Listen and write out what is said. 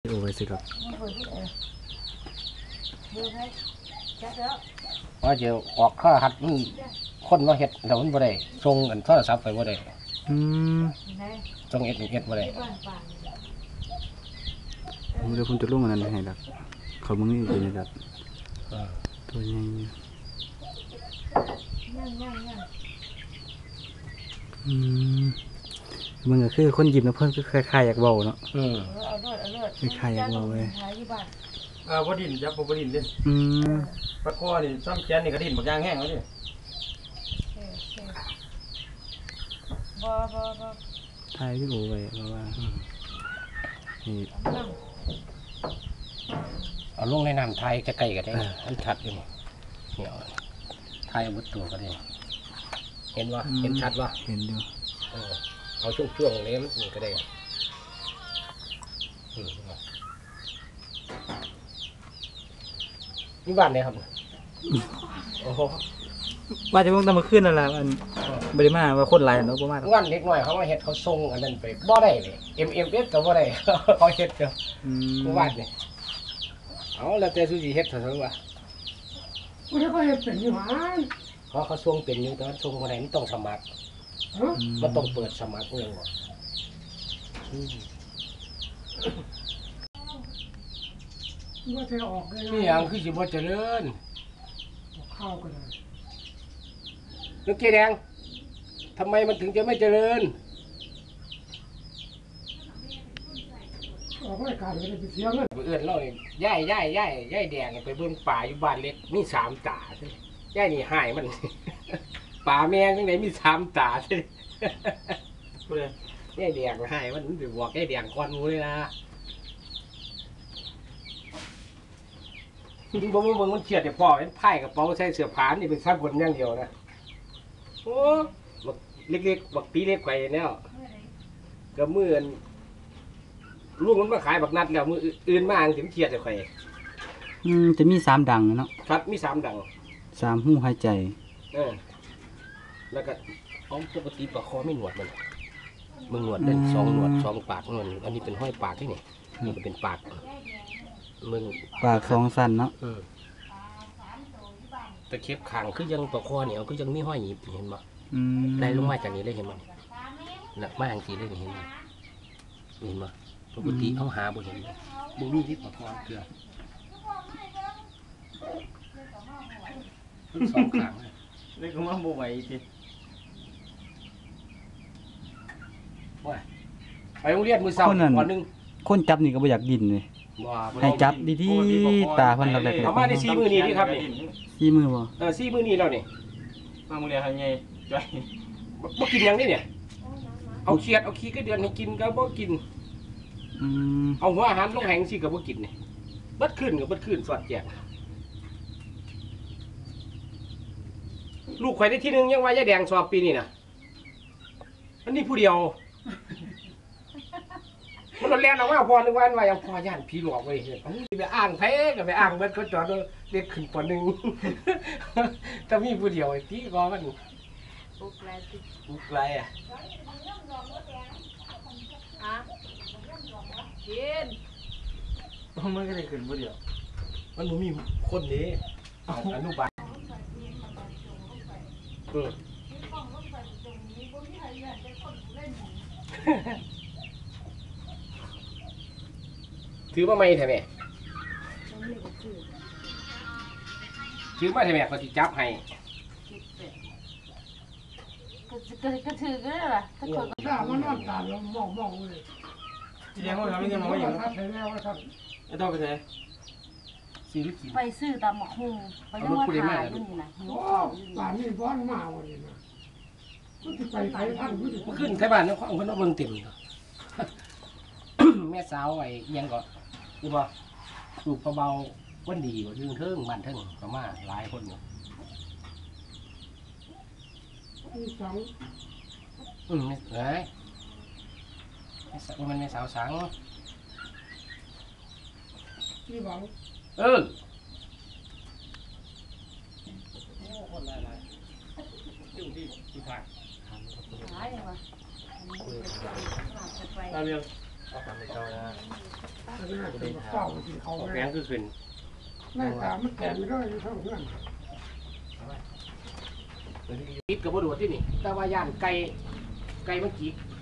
โอ้ยสิครับว่าจะออกข้าหัดมันคนว่าเห็ดแต่มันบ่ได้ส่งอันโทรศัพท์ไปบ่ได้ส่งเอ็ดบ่ได้เดี๋ยวผมจะลงอันนั้นให้ดักเขามึงนี่เป็นดักตัวใหญ่มันก็คือคนหยิบนะเพิ่นก็คล้ายๆอยากเบาเนาะคล้ายๆอยากเบาเลยบ่ดินจับบ่ดินเด้ปลาคอนี่ซ้ำแขนนี่ก็ดินบักย่างแห้งแล้วดิบ่ทายที่โอ้ไว้เพราะว่านี่เอาลงในน้ำไทยใกล้ๆก็ได้มันชัดอยู่นี่เหนียวไทยมุดตัวก็ได้เห็นว่าเห็นชัดว่าเห็นอยู่เอาช่วงๆนี้มันก็ได้นี่บ้านไหนครับโอ้โหว่าจะเพิ่งตามมาขึ้นนั่นแหละมันบริมาว่าคนหลายเนาะประมาณวันเล็กหน่อยเขามาเห็ดเขาทรงอันนั้นไปบ่ได้เลยMMS ก็บ่ได้เขาเห็ดเดียววันนี่เอาแล้วแต่สุจิเห็ดเถอะว่ากูได้ก็เห็นเป็นอยู่หาเขาทรงเป็นอยู่แต่ว่าทรงบ่ได้มันต้องสมัครมันต้องเปิดสมัครเองว่ะว่าจะออกเลยนี่อย่างคือสิบ่เจริญข้าวก็ได้ลูกเกดแดงทำไมมันถึงจะไม่เจริญออกรายการเลยไปเสียเงินเอื้อนเราเนี่ยย่ายแดงไปเบิ่งป่าอยู่บ้านเล็กมี3 ตาใช่ย่ายนี่หายมันป่าแมงจังไหนมี3 ตาใช่ย่ายแดงหายมันไปบอกย่ายแดงก่อนงูเลยนะจริงๆผมว่ามันเฉียดแต่พ่อเป็นไพ่กระเป๋าใส่เสื้อผ้านี่เป็นซับบนอย่างเดียวนะโอ้บักเล็กๆบักปีเล็กไข่เนี่ยกับมือลูกมันมาขายบักนัดแล้วมืออื่นมาถึงเฉียดแต่ไข่จะมี3 ดังเนาะครับมี3 ดัง 3หูหายใจแล้วก็ปกติปลาคอไม่หนวดมันหนวดเล่น2 หนวด2 ปากหนวดอันนี้เป็นห้อยปากที่นี่ก็เป็นปากมึงปาก2 สั้นเนาะตะเข็บขางคือยังปลาคอเนี่ยคือยังมีห้อยหยิบเห็นบ่ได้ลงมาจากนี้เลยเห็นบ่หนักมากทีเลยเห็นบ่ปกติเอาหาบ่เห็นบ่มีที่ปลาคอเกลือ2 ขางเลยก็มาบ่ไหวทีว่าไปโรงเรียนมื้อเช้าวันนึงคนจับนี่ก็บ่อยากดินเลยให้จับดีๆตาเพิ่นเราได้เอามาได้4 มื้อนี้นี่ครับนี่4 มื้อบ่ 4 มื้อนี้แล้วนี่มามื้อเดียวให้ใหญ่จ้อยบ่กินหยังนี่เนี่ยเอาเขียดเอาขี้ก็เดือนให้กินก็บ่กินเอาหัวอาหารลงแหงสิก็บ่กินนี่บัดขึ้นก็บัดขึ้นสอดแจกลูกข่อยได้ที่1ยังว่ายายแดงสอบปีนี้น่ะอันนี้ผู้เดียวมันเรียนเอาว่าพอนึกว่าอย่างพอย่านผีหลอกไว้เห็นไปอ้างแพ้กับไปอ้างเบิดเขาจอดเด็กขึ้นป.1ถ้ามีผู้เดียวที่ก็มันอุกไรอ่ะกินมันก็ได้ขึ้นผู้เดียวมันบ่มีคนนี้อนุบาลถือมาไม่ใช่ไหมถือมาใช่ไหมเขาจะจับให้ก็ถือก็ได้ล่ะถ้าคนถ้ามันนอนตาเรามองเลยที่เลี้ยงเขาทำไม่ใช่มองไม่อย่างนั้นไอ้ต้องไปไหนซื้อหรือกินไปซื้อตามหมกหุ่งไปยังว่าขายอยู่นี่นะหิวข้าวอยู่ป่านนี้บ้านมาวันนี้นะก็จะไปไทยท่านขึ้นไทยบ้านเนี่ยเขาเบิ่งเต็มแม่สาวไอ้ยังก็คือว่าลูกเบาๆวันดีกว่าเทิงบ้านเทิงก็มาหลายคนอยู่ไม่เอ้ยมันไม่สาวสังนี่หวังคนหลายอยู่ที่ผ่านหายเลยวะตาเรียงเอาทำไปเจ้านะเฝ้ากินเขาแพงคือขึ้นหน้าตามันแก่ไม่ได้เท่าเพื่อนติดกับบ่โดดที่นี่แต่ว่าย่านไก่มันจิก